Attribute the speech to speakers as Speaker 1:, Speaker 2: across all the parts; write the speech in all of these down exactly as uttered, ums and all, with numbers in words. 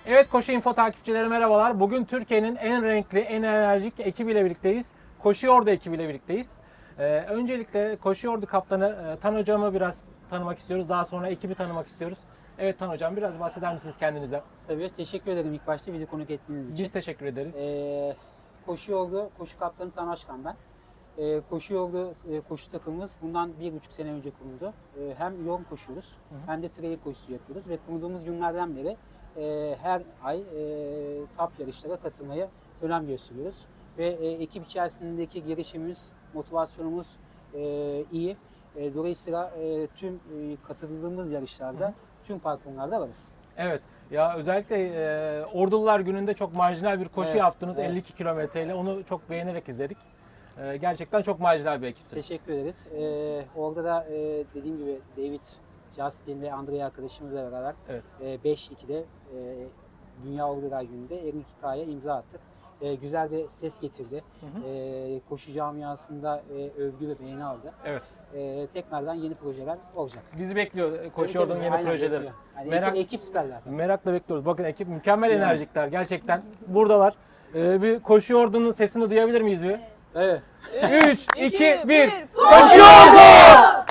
Speaker 1: Evet, Koşu Info takipçileri merhabalar. Bugün Türkiye'nin en renkli, en enerjik ekibiyle birlikteyiz. Koşu Yordu ekibiyle birlikteyiz. Ee, öncelikle Koşu Yordu kaptanı e, Tan hocamı biraz tanımak istiyoruz. Daha sonra ekibi tanımak istiyoruz. Evet Tan hocam, biraz bahseder misiniz kendinizden?
Speaker 2: Tabii, teşekkür ederim ilk başta bizi konuk ettiğiniz için.
Speaker 1: Biz teşekkür ederiz.
Speaker 2: Ee, koşu yoldu, koşu kaptanı Tan Aşkan ben. Ee, koşu yoldu, e, koşu takımımız bundan bir buçuk sene önce kuruldu. Ee, hem yoğun koşuyoruz, hı hı. hem de trail koşusu yapıyoruz ve kurduğumuz günlerden beri e, her ay e, top yarışlara katılmaya önem gösteriyoruz. Ve e, ekip içerisindeki girişimimiz, motivasyonumuz e, iyi. E, dolayısıyla e, tüm e, katıldığımız yarışlarda, hı hı. tüm parkurlarda varız.
Speaker 1: Evet. Ya özellikle e, Ordular Günü'nde çok marjinal bir koşu
Speaker 2: Evet,
Speaker 1: yaptınız,
Speaker 2: evet.
Speaker 1: elli iki kilometreyle. Onu çok beğenerek izledik. E, gerçekten çok marjinal bir ekipsiniz.
Speaker 2: Teşekkür ederiz. Ee, orada da e, dediğim gibi David, Justin ve Andrea arkadaşımızla beraber
Speaker 1: Evet.
Speaker 2: e, beş ikide e, Dünya Ordular Günü'nde elli iki K'ya imza attık. E, güzel de ses getirdi.
Speaker 1: Hı hı.
Speaker 2: E, koşu camiasında e, övgü ve beğeni aldı.
Speaker 1: Evet.
Speaker 2: E, tekrardan yeni projeler olacak.
Speaker 1: Bizi bekliyor e, Koşu
Speaker 2: Tabii,
Speaker 1: Yordu'nun
Speaker 2: tabii,
Speaker 1: yeni
Speaker 2: aynen
Speaker 1: projeleri.
Speaker 2: bekliyor. Yani
Speaker 1: Merak-
Speaker 2: ekip, ekip süper zaten.
Speaker 1: Merakla bekliyoruz. Bakın ekip mükemmel
Speaker 2: Evet.
Speaker 1: enerjikler. Gerçekten buradalar. Ee, bir Koşu Yordu'nun sesini duyabilir miyiz bir?
Speaker 2: Evet.
Speaker 1: üç, iki, bir.
Speaker 3: Koşu
Speaker 1: Koşu Yordu!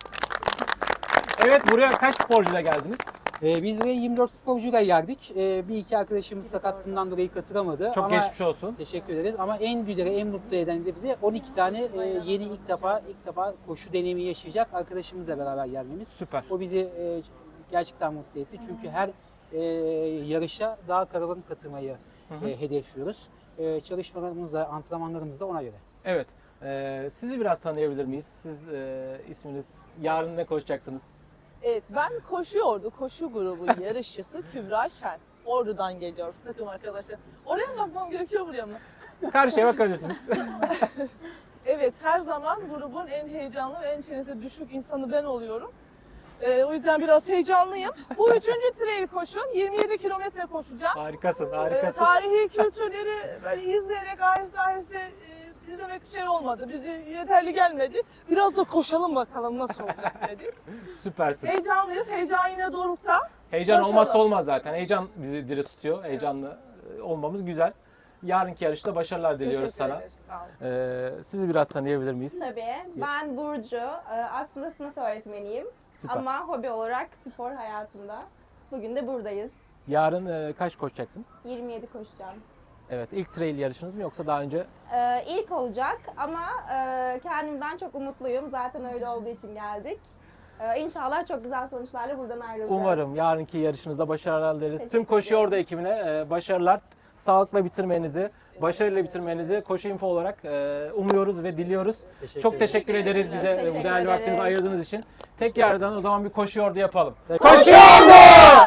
Speaker 1: Evet, buraya kaç sporcuyla geldiniz?
Speaker 2: E, biz buraya yirmi dört sporcuyla geldik. E, bir iki arkadaşımız sakatlığından dolayı katılamadı.
Speaker 1: Çok
Speaker 2: ama
Speaker 1: geçmiş olsun.
Speaker 2: Teşekkür ederiz ama en güzeli, en mutlu eden de bize on iki tane e, yeni ilk defa ilk defa koşu deneyimi yaşayacak arkadaşımızla beraber gelmemiz.
Speaker 1: Süper.
Speaker 2: O bizi e, gerçekten mutlu etti. Çünkü her e, yarışa daha kalabalık katılmayı
Speaker 1: Hı hı.
Speaker 2: e, hedefliyoruz. E, çalışmalarımızda, antrenmanlarımızda ona göre.
Speaker 1: Evet. Ee, sizi biraz tanıyabilir miyiz? Siz e, isminiz, yarın ne koşacaksınız?
Speaker 3: Evet, ben Koşu Yordu, koşu grubu yarışçısı Kübra Şen. Ordu'dan geliyoruz takım arkadaşlar. Oraya mı bakmam gerekiyor, buraya mı?
Speaker 1: Karşıya bakabilirsiniz.
Speaker 3: Evet, her zaman grubun en heyecanlı ve en çenesi düşük insanı ben oluyorum. Ee, o yüzden biraz heyecanlıyım. Bu üçüncü trail koşum. yirmi yedi kilometre koşacağım.
Speaker 1: Harikasın,
Speaker 3: Ee,
Speaker 1: harikasın.
Speaker 3: tarihi kültürleri böyle izleyerek aheste aheste e, izlemek şey olmadı. Bizi yeterli gelmedi. Biraz da koşalım bakalım nasıl olacak dedik.
Speaker 1: Süpersin.
Speaker 3: Heyecanlıyız. Heyecan yine dorukta.
Speaker 1: Heyecan
Speaker 3: Bakalım.
Speaker 1: olmazsa olmaz zaten. Heyecan bizi diri tutuyor. Heyecanlı e, olmamız güzel. Yarınki yarışta başarılar diliyoruz
Speaker 3: Teşekkür
Speaker 1: sana.
Speaker 3: ederiz, sağ olun.
Speaker 1: Ee, sizi biraz tanıyabilir miyiz?
Speaker 4: Tabii. Ben Burcu. Ee, Aslında sınıf öğretmeniyim.
Speaker 1: Süper.
Speaker 4: Ama hobi olarak spor hayatımda. Bugün de buradayız.
Speaker 1: Yarın e, kaç koşacaksınız?
Speaker 4: yirmi yedi koşacağım.
Speaker 1: Evet, ilk trail yarışınız mı yoksa daha önce?
Speaker 4: Ee, ilk olacak ama e, kendimden çok umutluyum. Zaten öyle olduğu için geldik. Ee, İnşallah çok güzel sonuçlarla buradan ayrılacağız.
Speaker 1: Umarım yarınki yarışınızda başarılar dileriz. Tüm
Speaker 4: Teşekkür
Speaker 1: Koşu
Speaker 4: ederim.
Speaker 1: Yordu ekibine e, başarılar. Sağlıkla bitirmenizi, başarıyla bitirmenizi Koşu Info olarak e, umuyoruz ve diliyoruz.
Speaker 2: Teşekkür
Speaker 1: Çok
Speaker 2: ederiz.
Speaker 1: teşekkür ederiz bize
Speaker 4: Teşekkür
Speaker 1: bu değerli vaktinizi
Speaker 4: ederiz.
Speaker 1: ayırdığınız için. Tek yerden o zaman bir Koşu Yordu yapalım.
Speaker 2: Evet.
Speaker 1: Koşu Yordu!